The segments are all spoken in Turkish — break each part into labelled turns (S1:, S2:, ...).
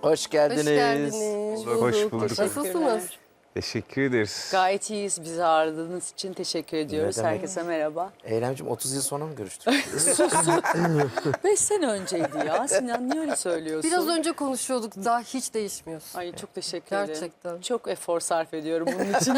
S1: Hoş geldiniz.
S2: Hoş geldiniz.
S3: Hoş bulduk.
S2: Nasılsınız?
S3: Teşekkür ederiz.
S4: Gayet iyiyiz. Bizi ağırladığınız için teşekkür ediyoruz.
S1: demek?
S4: Herkese merhaba.
S1: Eylemciğim 30 yıl sonra mı görüştük?
S4: 5 sene önceydi ya. Sinan niye öyle söylüyorsun?
S2: Biraz önce konuşuyorduk, daha hiç değişmiyorsun.
S4: Ay çok teşekkür ederim.
S2: Gerçekten.
S4: Çok efor sarf ediyorum bunun için.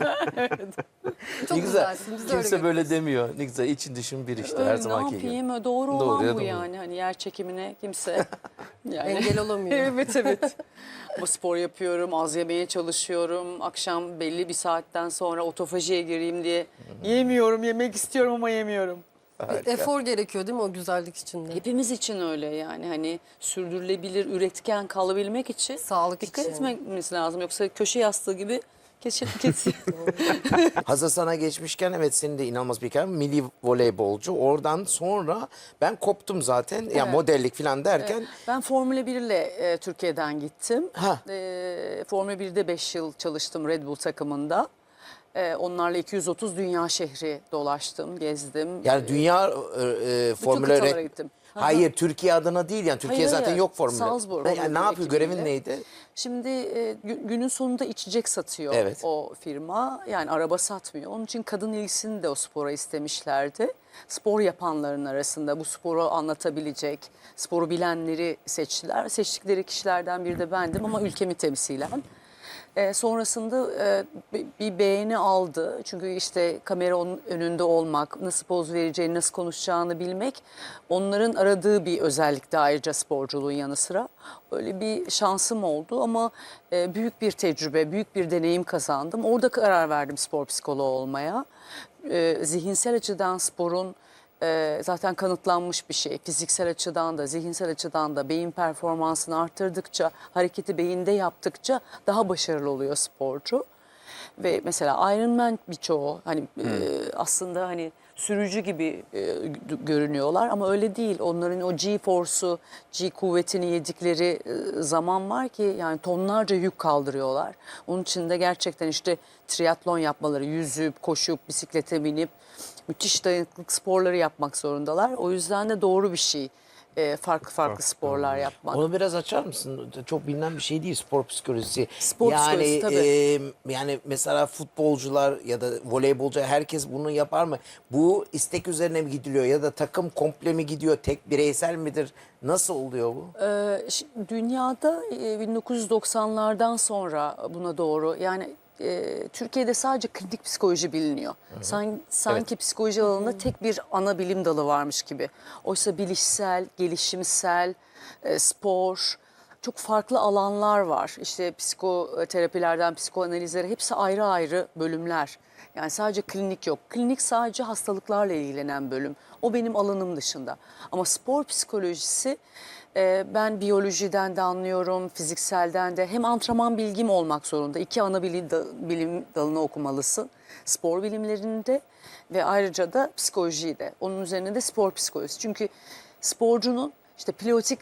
S2: Çok
S1: ne güzel.
S2: güzelsin. Biz de
S1: Kimse
S2: öyle
S1: böyle demiyor. Ne güzel için düşün bir işte her
S4: ne
S1: zamanki gibi.
S4: yapayım? Doğru
S1: Doğru
S4: olan
S1: ya,
S4: bu
S1: doğru.
S4: yani. Hani yer çekimine kimse yani.
S2: engel olamıyor.
S4: Evet. Bu spor yapıyorum, az yemeye çalışıyorum. Akşam belli bir saatten sonra otofajiye gireyim diye yemiyorum, yemek istiyorum ama yemiyorum.
S2: Bir efor gerekiyor değil mi o güzellik için de?
S4: Hepimiz için öyle yani hani sürdürülebilir, üretken kalabilmek için
S2: Sağlık
S4: dikkat
S2: için.
S4: etmemiz lazım. Yoksa köşe yastığı gibi kesin.
S1: Hazır sana geçmişken evet senin de inanılmaz bir hikayen. Milli voleybolcu. Oradan sonra ben koptum zaten. Ya
S4: Evet.
S1: modellik falan derken.
S4: Ben Formula 1 ile Türkiye'den gittim.
S1: Ha.
S4: Formula 1'de 5 yıl çalıştım Red Bull takımında. Onlarla 230 dünya şehri dolaştım, gezdim.
S1: Yani dünya Formula
S4: kıtalara gittim.
S1: Hayır Türkiye adına değil yani. Türkiye
S4: Hayır,
S1: zaten
S4: hayır.
S1: yok Formula.
S4: Salzburg
S1: Yani
S4: Formula
S1: ne yapıyor?
S4: ekibiyle.
S1: Görevin neydi?
S4: Şimdi günün sonunda içecek satıyor
S1: Evet.
S4: o firma. Yani araba satmıyor. Onun için kadın ilgisini de o spora istemişlerdi. Spor yapanların arasında bu sporu anlatabilecek, sporu bilenleri seçtiler. Seçtikleri kişilerden biri de bendim ama ülkemi temsilen. Sonrasında bir beğeni aldı. Çünkü işte kameranın önünde olmak, nasıl poz vereceğini, nasıl konuşacağını bilmek onların aradığı bir özellikti ayrıca sporculuğun yanı sıra. Öyle bir şansım oldu ama büyük bir tecrübe, büyük bir deneyim kazandım. Orada karar verdim spor psikoloğu olmaya. Zihinsel açıdan sporun zaten kanıtlanmış bir şey. Fiziksel açıdan da, zihinsel açıdan da beyin performansını arttırdıkça, hareketi beyinde yaptıkça daha başarılı oluyor sporcu. Ve mesela Ironman birçoğu hani aslında hani sürücü gibi görünüyorlar ama öyle değil. Onların o G-force'u, G kuvvetini yedikleri zaman var ki yani tonlarca yük kaldırıyorlar. Onun için de gerçekten işte triatlon yapmaları, yüzüp, koşup, bisiklete binip müthiş dayanıklılık sporları yapmak zorundalar. O yüzden de doğru bir şey farklı sporlar yapmak.
S1: Onu biraz açar mısın? Çok bilinen bir şey değil spor psikolojisi.
S4: Spor psikolojisi, tabii.
S1: Yani mesela futbolcular ya da voleybolcu herkes bunu yapar mı? Bu istek üzerine mi gidiliyor ya da takım komple mi gidiyor? Tek bireysel midir? Nasıl oluyor bu?
S4: Dünyada 1990'lardan sonra buna doğru yani Türkiye'de sadece klinik psikoloji biliniyor. Sanki psikoloji alanında tek bir ana bilim dalı varmış gibi. Oysa bilişsel, gelişimsel, spor, çok farklı alanlar var. İşte psikoterapilerden psikoanalizlere hepsi ayrı ayrı bölümler. Yani sadece klinik yok. Klinik sadece hastalıklarla ilgilenen bölüm. O benim alanım dışında. Ama spor psikolojisi ben biyolojiden de anlıyorum, fizikselden de. Hem antrenman bilgim olmak zorunda. 2 ana bilim dalını okumalısın. Spor bilimlerinde ve ayrıca da psikolojiyi de. Onun üzerine de spor psikolojisi. Çünkü sporcunun işte pilotik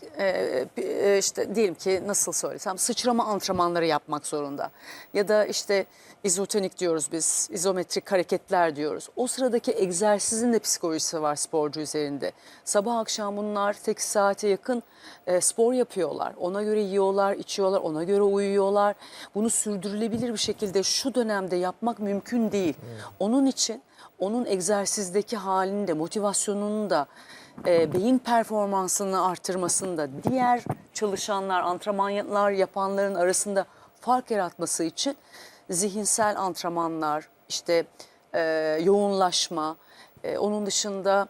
S4: işte diyelim ki nasıl söylesem sıçrama antrenmanları yapmak zorunda. Ya da işte izotonik diyoruz biz, izometrik hareketler diyoruz. O sıradaki egzersizin de psikolojisi var sporcu üzerinde. Sabah akşam bunlar 8 saate yakın spor yapıyorlar. Ona göre yiyorlar, içiyorlar, ona göre uyuyorlar. Bunu sürdürülebilir bir şekilde şu dönemde yapmak mümkün değil. Onun için onun egzersizdeki halini de motivasyonunu da beyin performansını artırmasında diğer çalışanlar, antrenmanlar yapanların arasında fark yaratması için zihinsel antrenmanlar, işte yoğunlaşma, onun dışında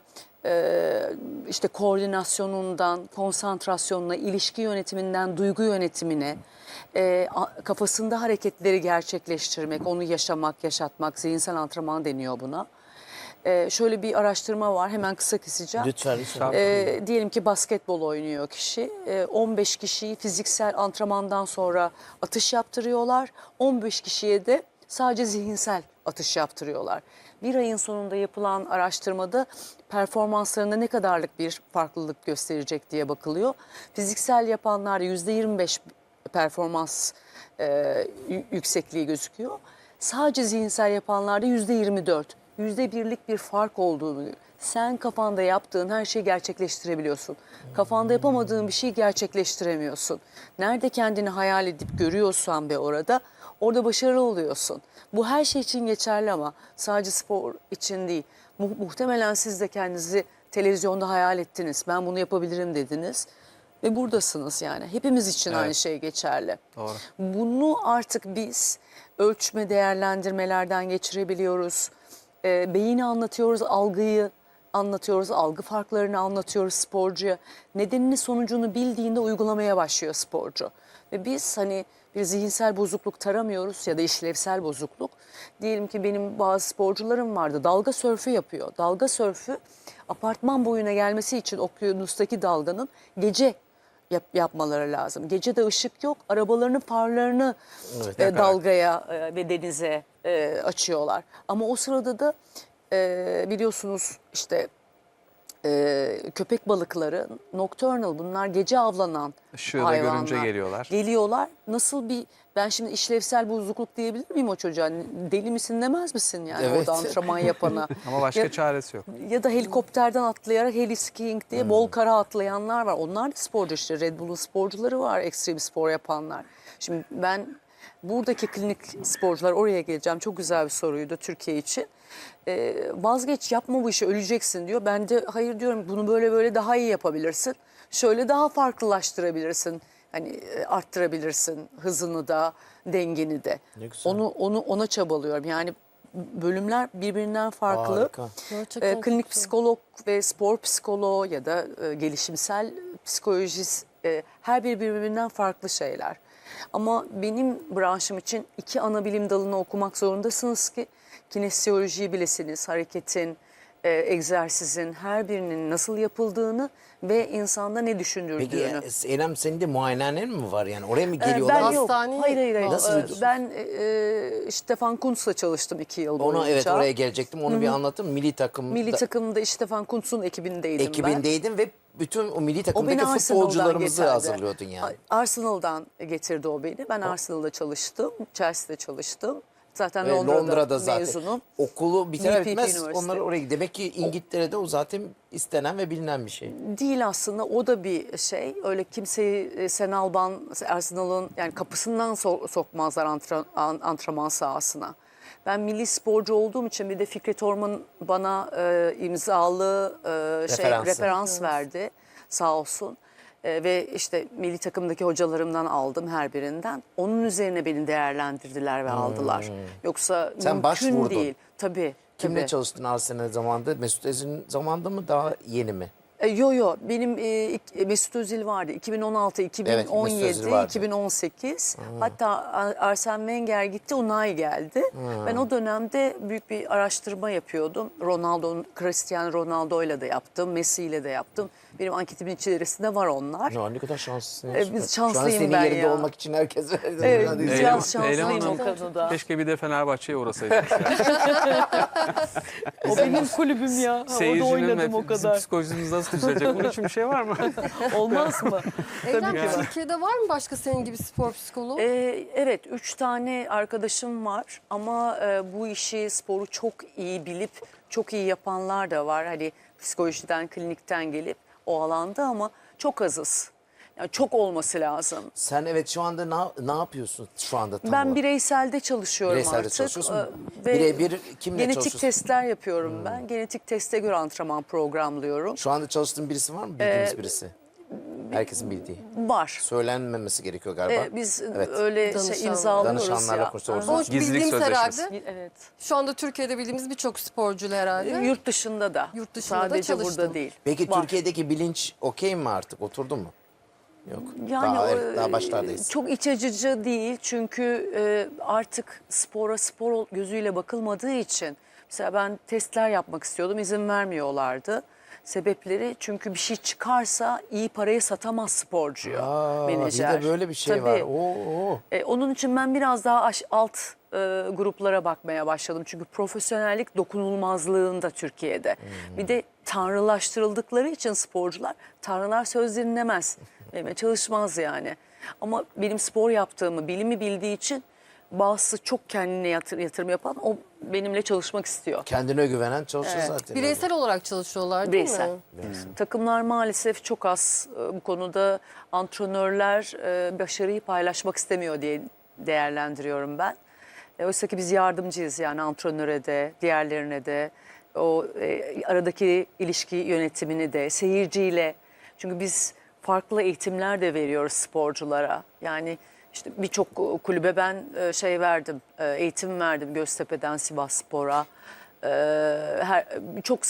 S4: işte koordinasyonundan, konsantrasyonuna, ilişki yönetiminden duygu yönetimine, kafasında hareketleri gerçekleştirmek, onu yaşamak, yaşatmak, zihinsel antrenman deniyor buna. Şöyle bir araştırma var, hemen kısa keseceğim.
S1: Lütfen.
S4: Diyelim ki basketbol oynuyor kişi. 15 kişiyi fiziksel antrenmandan sonra atış yaptırıyorlar. 15 kişiye de sadece zihinsel atış yaptırıyorlar. Bir ayın sonunda yapılan araştırmada performanslarında ne kadarlık bir farklılık gösterecek diye bakılıyor. Fiziksel yapanlarda %25 performans yüksekliği gözüküyor. Sadece zihinsel yapanlarda %24. %1'lik bir fark olduğunu, sen kafanda yaptığın her şeyi gerçekleştirebiliyorsun. Kafanda yapamadığın bir şeyi gerçekleştiremiyorsun. Nerede kendini hayal edip görüyorsan ve orada başarılı oluyorsun. Bu her şey için geçerli ama sadece spor için değil. Muhtemelen siz de kendinizi televizyonda hayal ettiniz. Ben bunu yapabilirim dediniz. Ve buradasınız yani. Hepimiz için aynı şey geçerli.
S3: Doğru.
S4: Bunu artık biz ölçme, değerlendirmelerden geçirebiliyoruz. Beyni anlatıyoruz, algıyı anlatıyoruz, algı farklarını anlatıyoruz sporcuya. Nedenini, sonucunu bildiğinde uygulamaya başlıyor sporcu. Ve biz hani bir zihinsel bozukluk taramıyoruz ya da işlevsel bozukluk. Diyelim ki benim bazı sporcularım vardı, dalga sörfü yapıyor. Dalga sörfü apartman boyuna gelmesi için okyanustaki dalganın gece yapmaları lazım. Gece de ışık yok, arabalarının farlarını dalgaya ve denize açıyorlar. Ama o sırada da biliyorsunuz işte köpek balıkları nocturnal, bunlar gece avlanan
S3: Işığı da
S4: hayvanlar.
S3: görünce geliyorlar.
S4: Geliyorlar. Nasıl bir, ben şimdi işlevsel bozukluk diyebilir miyim o çocuğa? Deli misin demez misin yani
S1: Evet.
S4: orada antrenman yapana?
S3: Ama başka
S4: Ya-
S3: çaresi yok.
S4: Ya da helikopterden atlayarak heliskiing diye bol kara atlayanlar var. Onlar da sporcu işte. Red Bull'un sporcuları var, ekstrem spor yapanlar. Şimdi ben buradaki klinik sporcular, oraya geleceğim. Çok güzel bir soruydu Türkiye için. Vazgeç, yapma bu işi, öleceksin diyor. Ben de hayır diyorum, bunu böyle böyle daha iyi yapabilirsin. Şöyle daha farklılaştırabilirsin. Hani arttırabilirsin hızını da, dengeni de.
S1: Ne güzel.
S4: Ona çabalıyorum. Yani bölümler birbirinden farklı.
S1: Harika.
S2: Gerçekten çok
S4: Klinik
S2: güzel.
S4: psikolog ve spor psikoloğu ya da gelişimsel psikolojist, her biri birbirinden farklı şeyler. Ama benim branşım için 2 ana bilim dalını okumak zorundasınız ki kinesiolojiyi bilesiniz, hareketin, egzersizin her birinin nasıl yapıldığını ve insanda ne
S1: Peki
S4: düşündürdüğünü.
S1: Eylem, senin de muayenehanen mi var yani? Oraya mı geliyorlar?
S4: Ben yok.
S2: Hastane-
S4: Hayır.
S1: Nasıl?
S4: Ben Stefan Kuntz'la çalıştım 2 yıl boyunca.
S1: Ona evet, oraya gelecektim. Onu bir anlatın. Milli takım
S4: Milli takımda Stefan Kuntz'un ekibindeydim ben.
S1: ekibindeydin ve bütün o milli
S4: O beni
S1: takımdaki
S4: Arsenal'dan
S1: futbolcularımızı
S4: getirdi.
S1: hazırlıyordun yani.
S4: Arsenal'dan getirdi o beni. Ben Arsenal'da çalıştım, Chelsea'de çalıştım. Zaten
S1: Ve
S4: Londra'da
S1: zaten
S4: mezunum.
S1: okulu biter
S4: VPP
S1: bitmez
S4: Üniversite.
S1: onlar oraya gidiyor. Demek ki İngiltere'de o zaten istenen ve bilinen bir şey.
S4: Değil aslında, o da bir şey. Öyle kimseyi Sen Alban, Arsenal'ın yani kapısından sokmazlar antrenman sahasına. Ben milli sporcu olduğum için bir de Fikret Orman bana imzalı referans verdi sağ olsun. Ve işte milli takımdaki hocalarımdan aldım her birinden. Onun üzerine beni değerlendirdiler ve aldılar. Yoksa
S1: Sen
S4: mümkün
S1: başvurdun.
S4: değil. Tabii.
S1: Kimle
S4: tabii.
S1: çalıştın Arsenal zamanında? Mesut Özil'in zamanında mı, daha yeni mi?
S4: Yo benim Mesut Özil vardı 2016,
S1: Evet, Mesut
S4: 2017,
S1: Özil vardı.
S4: 2018. Hatta Arsene Wenger gitti, Unai geldi. Ben o dönemde büyük bir araştırma yapıyordum. Cristiano Ronaldo'yla da yaptım, Messi'yle de yaptım. Benim anketimin içerisinde var onlar.
S1: Ya ne kadar şanslısın. ya.
S4: biz
S1: Şu an
S4: şanslıyım
S1: senin
S4: ben
S1: yerinde
S4: ya.
S1: olmak için herkes
S4: Evet,
S1: Hadi
S4: biz
S1: Eylem-
S4: biraz şanslıyım
S3: Eylem
S4: o
S3: Hanım,
S4: konuda.
S3: Keşke bir de Fenerbahçe'ye uğrasaydınız. Yani.
S4: O benim kulübüm ya. Orada
S3: Seyircinin
S4: oynadım o
S3: ve bizim
S4: kadar.
S3: psikolojimiz nasıl düzelecek? Bunun için bir şey var mı?
S4: Olmaz mı?
S2: Eylem,
S3: ki var.
S2: Türkiye'de var mı başka senin gibi spor psikoloğu?
S4: Evet, 3 tane arkadaşım var ama bu işi, sporu çok iyi bilip çok iyi yapanlar da var. Hani psikolojiden, klinikten gelip o alanda ama çok azız. Yani çok olması lazım.
S1: Sen evet şu anda ne yapıyorsun şu anda tam
S4: Ben
S1: olarak?
S4: bireyselde çalışıyorum
S1: Bireyselde
S4: artık.
S1: çalışıyorsun.
S4: Ve
S1: Birebir kimle
S4: genetik
S1: çalışıyorsun?
S4: testler yapıyorum ben. Genetik teste göre antrenman programlıyorum.
S1: Şu anda çalıştığın birisi var mı? Bildiğimiz birisi. Herkesin bildiği.
S4: Var.
S1: Söylenmemesi gerekiyor galiba.
S4: Biz
S1: Evet.
S4: öyle
S2: Danışanlar.
S4: imzalıyoruz
S1: Danışanlarla
S4: ya.
S1: konuşuyoruz.
S2: Ama
S3: Gizlilik
S2: bildiğimiz
S3: sözleşmesi.
S2: herhalde.
S4: Evet.
S2: Şu anda Türkiye'de bildiğimiz birçok sporcuyla herhalde.
S4: Yurt dışında da.
S2: Yurt dışında da
S4: Sadece
S2: çalıştın.
S4: burada değil.
S1: Peki
S4: Var.
S1: Türkiye'deki bilinç okey mi artık? Oturdu mu? Yok.
S4: Yani
S1: Daha başlardayız.
S4: çok iç açıcı değil çünkü artık spora spor gözüyle bakılmadığı için mesela ben testler yapmak istiyordum, izin vermiyorlardı. Sebepleri çünkü bir şey çıkarsa iyi paraya satamaz sporcuyu menajer.
S1: Bir de böyle bir şey
S4: Tabii.
S1: var. Oo.
S4: Onun için ben biraz daha alt gruplara bakmaya başladım. Çünkü profesyonellik dokunulmazlığında Türkiye'de. Bir de tanrılaştırıldıkları için sporcular, tanrılar söz dinlemez. Çalışmaz yani. Ama benim spor yaptığımı, bilimi bildiği için bazısı çok kendine yatırım yapan o benimle çalışmak istiyor.
S1: Kendine güvenen çalışır zaten.
S2: Bireysel olarak çalışıyorlar değil
S4: Bireysel.
S2: mi?
S4: Takımlar maalesef çok az bu konuda antrenörler başarıyı paylaşmak istemiyor diye değerlendiriyorum ben. Oysa ki biz yardımcıyız yani antrenöre de, diğerlerine de, o aradaki ilişki yönetimini de, seyirciyle. Çünkü biz farklı eğitimler de veriyoruz sporculara. Yani işte birçok kulübe ben verdim, eğitim verdim Göztepe'den Sivasspor'a. Birçok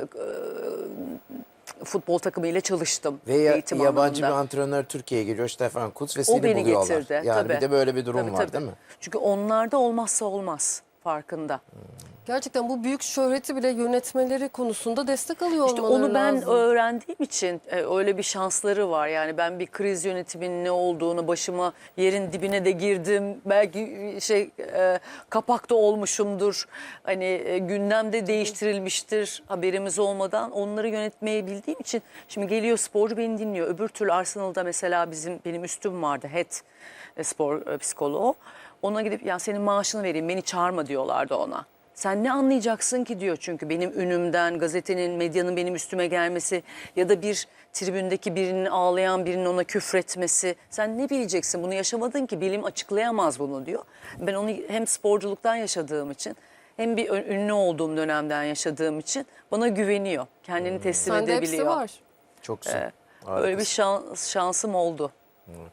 S4: futbol takımıyla çalıştım
S1: Ve
S4: eğitim
S1: yabancı bir
S4: anlamında.
S1: antrenör Türkiye'ye geliyor, Stefan Kutz ve
S4: O
S1: seni
S4: beni
S1: buluyorlar.
S4: getirdi.
S1: Yani
S4: tabii.
S1: bir de böyle bir durum
S4: Tabii,
S1: var
S4: tabii.
S1: değil mi?
S4: Çünkü onlarda olmazsa olmaz farkında.
S2: Gerçekten bu büyük şöhreti bile yönetmeleri konusunda destek alıyor
S4: İşte
S2: olmaları
S4: onu ben
S2: lazım.
S4: öğrendiğim için öyle bir şansları var. Yani ben bir kriz yönetiminin ne olduğunu, başıma yerin dibine de girdim. Belki kapakta olmuşumdur. Hani gündemde değiştirilmiştir haberimiz olmadan. Onları yönetmeyi bildiğim için şimdi geliyor sporcu beni dinliyor. Öbür türlü Arsenal'da mesela benim üstüm vardı head spor psikoloğu. Ona gidip ya senin maaşını vereyim beni çağırma diyorlardı ona. Sen ne anlayacaksın ki diyor çünkü benim ünümden, gazetenin, medyanın benim üstüme gelmesi ya da bir tribündeki birinin ağlayan birinin ona küfretmesi. Sen ne bileceksin bunu yaşamadın ki bilim açıklayamaz bunu diyor. Ben onu hem sporculuktan yaşadığım için hem bir ünlü olduğum dönemden yaşadığım için bana güveniyor. Kendini teslim
S2: Sende hepsi
S4: edebiliyor.
S2: var.
S1: Çok güzel.
S4: Öyle bir şansım oldu.